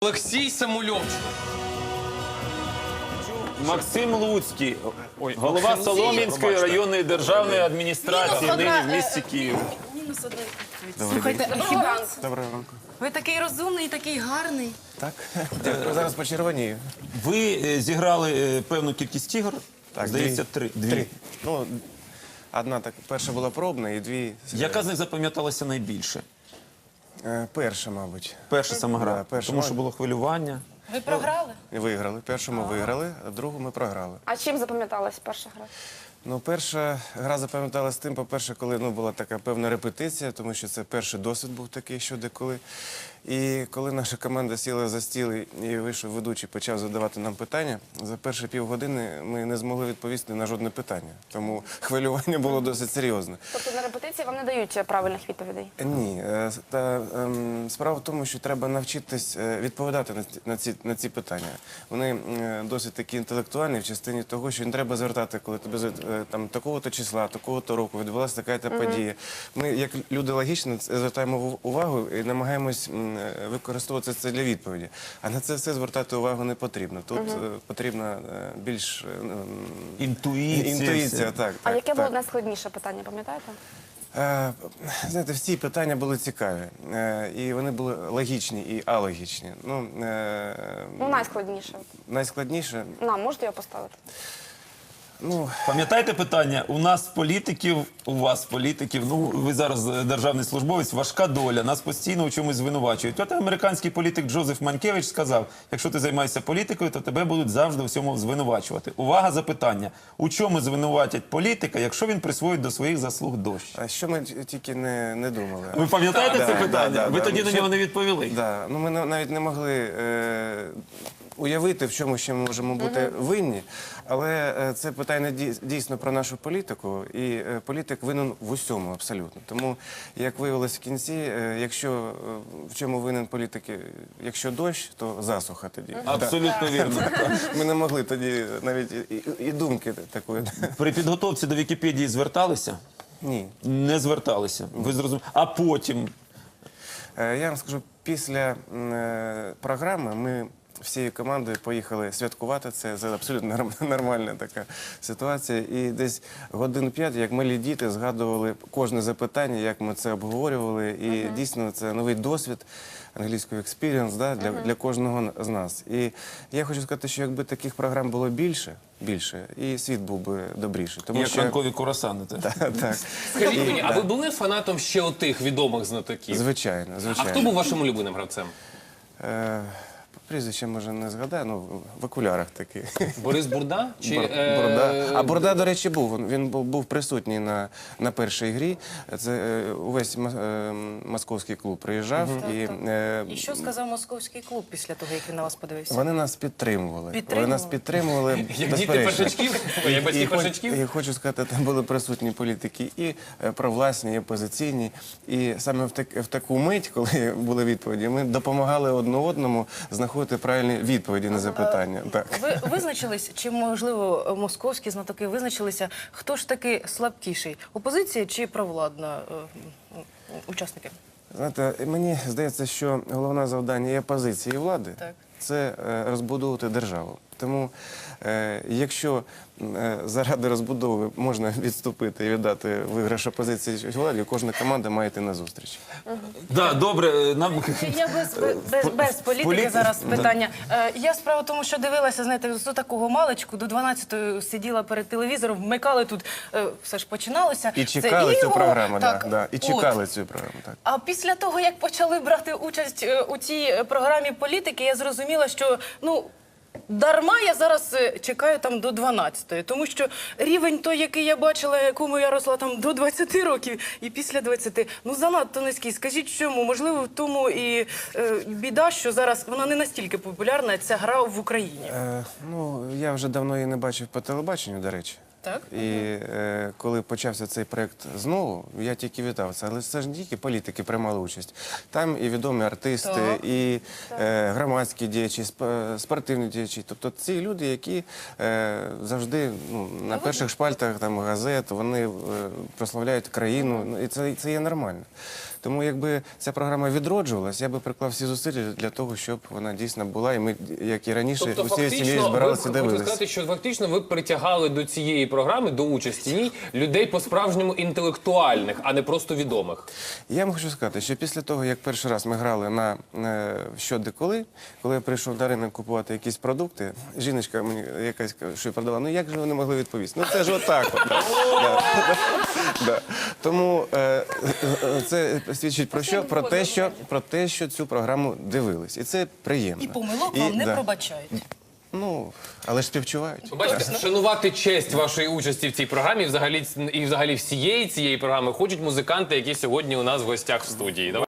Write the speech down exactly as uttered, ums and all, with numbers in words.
Олексій Самульовчик. Максим Луцький, голова Солом'янської районної державної адміністрації, нині в місті Київ. Мінус один. Слухайте, хіба Доброго ранку. ви такий розумний, такий гарний? Так, дякую. Зараз почервонію. Ви е, зіграли е, певну кількість ігор, Так, здається, дві. три. Дві. Три. Ну, одна так, перша була пробна і дві... Яка з них запам'яталася найбільше? Е, Перша, мабуть. Перша сама гра, Да, перша. тому що було хвилювання. Ви програли? Виграли. Першу ми виграли, а другу ми програли. А чим запам'яталась перша гра? Ну, перша гра запам'яталась тим, по-перше, коли ну, була така певна репетиція, тому що це перший досвід був такий, що деколи. І коли наша команда сіла за стіл і вийшов ведучий, почав задавати нам питання, за перші півгодини ми не змогли відповісти на жодне питання. Тому хвилювання було досить серйозне. Тобто на репетиції вам не дають правильних відповідей? Ні, е, та ем, справа в тому, що треба навчитись е, відповідати на ці, на ці, на ці питання. Вони е, досить такі інтелектуальні в частині того, що не треба звертати, коли тебе е, там такого-то числа, такого-то року відбулася така-то подія. Ми, як люди логічно, звертаємо увагу і намагаємось м, використовувати це для відповіді. А на це все звертати увагу не потрібно. Тут е, потрібна е, більш е, Інтуїція. інтуїція. Так, А так, яке так. було найскладніше питання, пам'ятаєте? Е, Знаєте, всі питання були цікаві. Е, І вони були логічні і алогічні. Ну, е, Ну, найскладніше. найскладніше, Нам можете його поставити? ну, Пам'ятаєте питання? У нас політиків, у вас політиків, ну ви зараз державний службовець, важка доля, нас постійно у чомусь звинувачують. От американський політик Джозеф Манкевич сказав, якщо ти займаєшся політикою, то тебе будуть завжди у всьому звинувачувати. Увага, запитання. У чому звинуватять політика, якщо він присвоїть до своїх заслуг дощ? а що ми тільки не, не думали? Ви пам'ятаєте Да, це да, питання? да, Ви да. тоді на Що- нього не відповіли. Да. Ну, ми на- навіть не могли е, уявити, в чому ще ми можемо бути винні. Але е, це питання дій- дійсно про нашу політику, і е, політик винен в усьому абсолютно. Тому, як виявилось в кінці, е, якщо е, в чому винен політик, е, якщо дощ, то засуха тоді. Абсолютно вірно. Ми не могли тоді навіть і, і, і думки такої. При підготовці до Вікіпедії зверталися? Ні. Не зверталися. Ви зрозуміли. А потім Е, Я вам скажу, після м, е, програми ми всією командою поїхали святкувати. Це, це абсолютно норм- нормальна така ситуація. І десь годин п'ять, як малі діти, згадували кожне запитання, як ми це обговорювали. І дійсно це новий досвід, англійською experience, да, для, для кожного з нас. І я хочу сказати, що якби таких програм було більше, більше, і світ був би добріший. Тому як що ранкові курасани. теж. так, Скажіть І- мені, а да. ви були фанатом ще отих відомих знатоків? Звичайно, А звичайно. хто був вашим улюбленим гравцем? Е, Прізвище, може, не згадаю, ну, в окулярах такий. Борис Бурда? Чи, Бур- е, Бурда. А Бурда, до речі, був. Він- Він був, був присутній на, на першій грі. Це е, увесь ма- е, московський клуб приїжджав. І, е, І що сказав московський клуб після того, як він на вас подивився? вони нас підтримували. Вони Підтримували? нас підтримували. Як діти безперечно. першачків? Ой, Як батьки І хоч- першачків? І хочу сказати, там були присутні політики і е, провласні, і опозиційні. І саме в, так, в таку мить, коли були відповіді, ми допомагали одне одному знаходити правильні відповіді на запитання. Так. Ви визначились, чи, можливо, московські знатоки визначилися, хто ж таки слабкіший? Опозиція чи провладна е, м, учасники? Знаєте, мені здається, що головне завдання і опозиції, і влади Так. – це е, розбудовувати державу. Тому, е, якщо е, заради розбудови можна відступити і віддати виграш опозиції чи владі, кожна команда має йти на зустріч. Да, добре, нам Я без, без, без політики Політики? зараз питання. Е, я справа в тому, що дивилася, знаєте, з такого маличку, до дванадцятої сиділа перед телевізором, вмикали тут, е, все ж починалося. І Це чекали цю його. програму, да, Так, да, і от. чекали цю програму. Так. А після того, як почали брати участь е, у цій е, програмі політики, я зрозуміла, що, ну, дарма я зараз е, чекаю там до дванадцятої, тому що рівень той, який я бачила, якому я росла там до двадцяти років і після двадцяти, ну занадто низький. Скажіть, чому? Можливо, в тому і е, біда, що зараз вона не настільки популярна, ця гра в Україні. Е, ну, я вже давно її не бачив по телебаченню, до речі. Так? І е, коли почався цей проєкт знову, я тільки вітав це. Але це ж не тільки політики приймали участь. Там і відомі артисти, Так. і е, громадські діячі, сп- спортивні діячі. Тобто ці люди, які е, завжди ну, на перших шпальтах там, газет, вони е, прославляють країну. Ну, і це, це є нормально. Тому якби ця програма відроджувалась, я би приклав всі зусилля для того, щоб вона дійсно була, і ми, як і раніше, Тобто, усією сім'єю фактично, ви збиралися і хочете дивилися. сказати, що фактично ви притягали до цієї програми, до участі в ній, людей по-справжньому інтелектуальних, а не просто відомих. Я вам хочу сказати, що після того, як перший раз ми грали на е, «Що, де, коли», коли я прийшов на ринок купувати якісь продукти, жіночка мені якась що я продала, ну як же вони могли відповісти? Ну це ж отак. От, да. Да. Да. Тому е, е, це свідчить про що? Про те, що, про те, що цю програму дивились. І це приємно. І помилок вам не да. пробачають. Ну, але ж співчувають. Ви бачите, шанувати честь вашої участі в цій програмі і взагалі, і взагалі всієї цієї програми хочуть музиканти, які сьогодні у нас в гостях в студії. Давай-